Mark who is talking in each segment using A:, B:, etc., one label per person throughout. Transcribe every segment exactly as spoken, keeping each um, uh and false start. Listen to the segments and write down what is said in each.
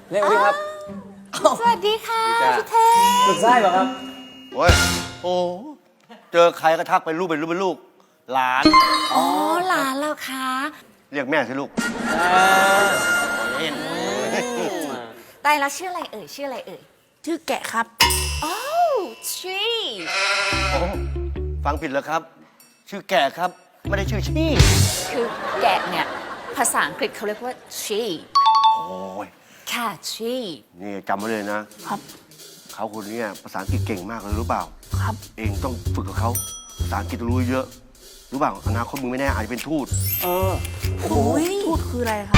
A: เรียกว่าดีครับ
B: สวัสดีค่ะพี่เทพ
A: สุดท้ายเหรอครับ
C: โอ้ยโอ้เจอใครก็ทักเป็นลูกเป็นลูกเป็นลูก หลาน
B: อ๋อหลานเราคะ
C: เรียกแม่สิลูกเล่น
B: ตายแล้วชื่ออะไรเอ่ยชื่ออะไรเอ่ย
D: ชื่อแกะครับ
B: โอ้ชี
C: โอ้ฟังผิดแล้วครับ ชื่อแก่ครับ ไม่ได้ชื่อชี่
B: คือแกะเนี่ยภาษาอังกฤษเขาเรียกว่า sheep
C: โอ้ย
B: ค่ะ sheep
C: นี่จำไว้เลยนะครับ เขาคนเนี้ภาษาอังกฤษเก่งมากเลยรู้เปล่า
D: ครับ
C: เองต้องฝึกกับเขาภาษาอังกฤษต้องรู้เยอะ รู้เปล่าอนาคตมึงไม่แน่อาจจะเป็นทูต
A: เออ
D: โอ้ยทูตคืออะไรครับ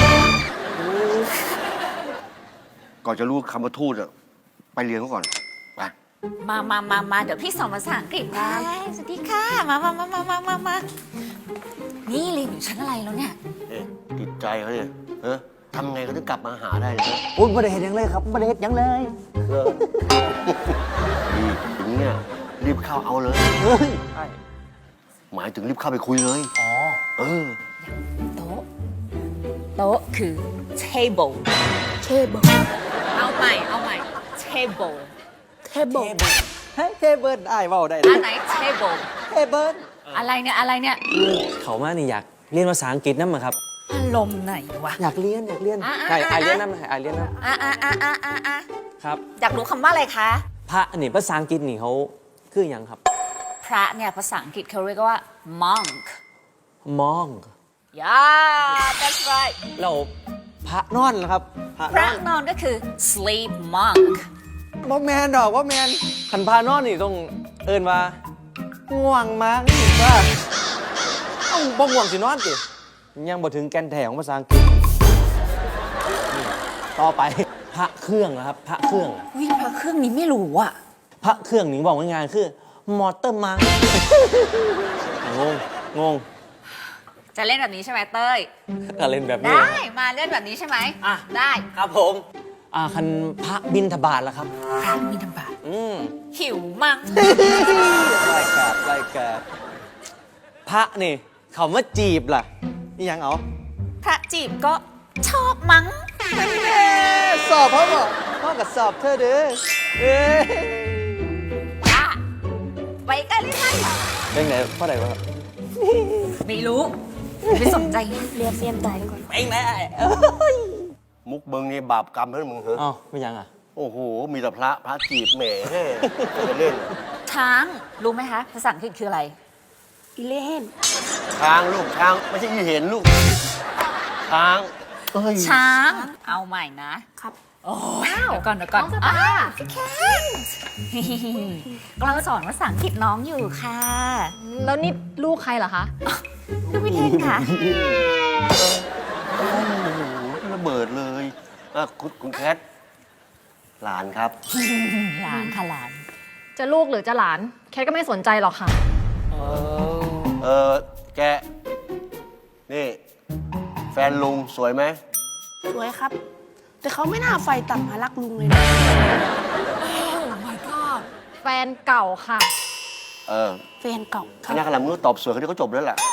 C: ก่อนจะรู้คำว่าทูตอะไปเรียนเขาก่อนไป
B: มามามามาเดี๋ยวพี่สอนภาษาอังกฤษนะสวัสดีค่ะ มามามามามามามานี่เรียนอยู่ชั้นอะไรแล้วเนี่ย
C: เอ๊ะติดใจเขาเนี่ยเออทำไงก็ถึงกลับมาหาได้เลยนะ
A: อุ้ยไม่ได้เห็นยังเลยครับไม่ได้เห็นยังเลย
C: เออดีอย่างเงี้ยรีบเข้าเอาเลย
A: เฮ้ยใช่
C: หมายถึงรีบเข้าไปคุยเลย
A: อ๋อ
C: เออ
B: โต๊ะ โต๊ะคือ table
D: เทเบิล
B: เอาใหม่ เอาใหม่ table
D: เทเบิล
A: เฮ้ยเทเบิลได้เปล่าได้
B: อันไหน table
A: เทเบิล
B: อะไรเนี่ย อะไรเนี่ย
E: เขามานี่อยากเรียนภาษาอังกฤษนั่นมั้งครับ
B: อารมณ์ไหนวะ
E: อยากเรียนอยากเรียน
B: อ่ะ
E: ไอ้
B: อ่ะ
E: ไอ
B: อ่ะ
E: เรียนนั่นไอเรียนนั่น
B: อ่ะอ่ะอ่ะอ่ะอ่ะอ่ะ
E: ครับ
B: อยากรู้คำว่าอะไรคะ
E: พระนี่ภาษาอังกฤษนี่เขาคืออย่างครับ
B: พระเนี่ยภาษาอังกฤษเขาเรียกว่า monk
E: มอง
B: yeah that's right
E: เราพระนอนนะครับ พระ
B: พ
E: น
B: ระ
E: อน
B: นอนก็คือ sleep monk
E: บ่แมนดอกว่าแมนขันพานอนนี่ต้องเอินว่าง่วงมั้งว่าเอ้าบ่ง่วงสินอนสิยังบ่ถึงแกนแท้ของภาษาอังกฤษนี่ต่อไปพระเครื่องนะครับ พระเครื่อง
B: วิพระเครื่องนี้ไม่รู้อ่ะ
E: พระเครื่องนี่บอกง่ายๆคือมอเตอร์มัง งงงง
B: จะเล่นแบบนี้ใช่ไหมเต้ย
E: ก็เล่นแบบนี้
B: ได้ มาเล่นแบบนี้ใช่ไหม
E: อ่ะ
B: ได้
E: ครับผมอ่าคันพระบินทบาทแล้วครับ
B: พระมีธบาต
E: อืม
B: หิวมั้ง
E: ไล่กาดไล่กาดพระนี่ เขามาจีบล่ะนี่ยังเอา
B: พระจีบก็ชอบมั้ง
E: สอบเขาบอกพ่อกับสอบเธอเด้อเอ้ย
B: จ้าไปกันเลยไหม
E: เป็นไงพ่อไหนวะ
B: ไม่รู้ไม่สนใจ
D: เรียนเรียนใจก่อน
E: เป็นไง
C: มุกเบิงนี่บาปกรรมเพื่อนมึงเหรอ
E: อ๋อไม่ยังอ่ะ
C: โอ้โห มีแต่พระพระจีบแหมจะเล่น
B: ช้างรู้ไหมคะภาษาอังกฤษคืออะไร
D: อีเล่น
C: ช้างลูกช้างไม่ใช่อีเห็นลูก ช้างเอ้ย
B: ช้าง เอาใหม่นะครับ โอ้ยเดี๋ยวก่อนเดี๋ยวก่อนอ้าวพี่แคนกำลังสอนภาษาอังกฤษน้องอยู่ค่ะ
F: แล้วนี่ลูกใครเหรอคะ
B: ลูกพี่เทนค่ะ
C: โอ้โหระเบิดเลยอ่ะคุณคุณแคทหลานครับ
B: หลานค่ะหลาน
F: จะลูกหรือจะหลาน แคทก็ไม่สนใจหรอกค่ะ
C: เออแก นี่ แฟนลุงสวยไหม
D: สวยครับ แต่เขาไม่น่าไฟต่ำมารักลุงเลยนะ
F: แฟนเก่าค่ะ
C: เออ
D: แฟนเก่าค
C: ค
D: รับ
C: ณะกำลังมึงตอบสวยเขาที่เขาจบแล้วแหละ